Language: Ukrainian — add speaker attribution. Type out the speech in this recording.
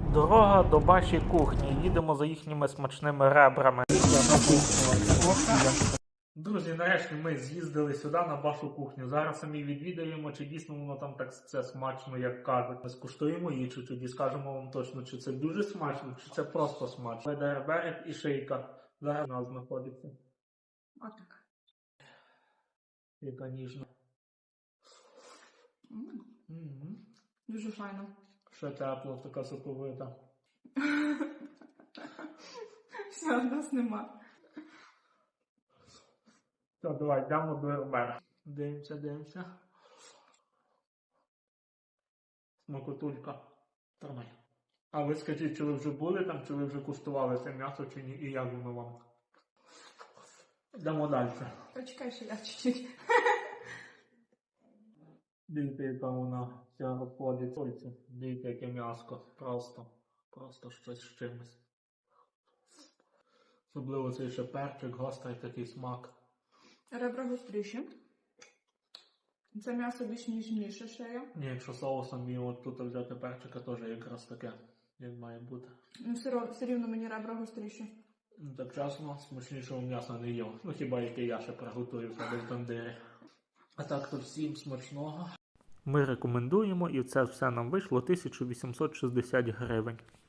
Speaker 1: Дорога до Баші кухні. Їдемо за їхніми смачними ребрами. Друзі, нарешті ми з'їздили сюди на Башу кухню. Зараз самі відвідаємо, чи дійсно воно там так це смачно, як кажуть. Ми скуштуємо її, чи тоді скажемо вам точно, чи це дуже смачно, чи це просто смачно. Берег і шийка. Зараз у нас знаходиться.
Speaker 2: Отак.
Speaker 1: Яка ніжна.
Speaker 2: Дуже файно.
Speaker 1: Ще тепло, така соковита.
Speaker 2: Все, у нас нема.
Speaker 1: Так, давай, йдемо до Берега. Дивимося. Смакотулька. Тримай. А ви скажіть, чи ви вже були там, чи ви вже куштували це м'ясо, чи ні, і як воно вам? Йдемо далі.
Speaker 2: Почекай, ще я чуть-чуть.
Speaker 1: Дивіться, яка вона вся розходиться. Дивіться, яке м'яско. Просто щось з чимось. Особливо цей ще перчик, гострий такий смак.
Speaker 2: Ребра гостріші. Це м'ясо більш ніжніше ще є.
Speaker 1: Ні, якщо соусом і от тут взяти перчика, теж якраз таке, як має бути.
Speaker 2: Ну, все рівно мені ребра гостріші.
Speaker 1: Так чесно, смачнішого м'яса не їв. Ну хіба яке я ще приготую в себе в тандирі. А так то всім смачного. Ми рекомендуємо, і це все нам вийшло 1860 гривень.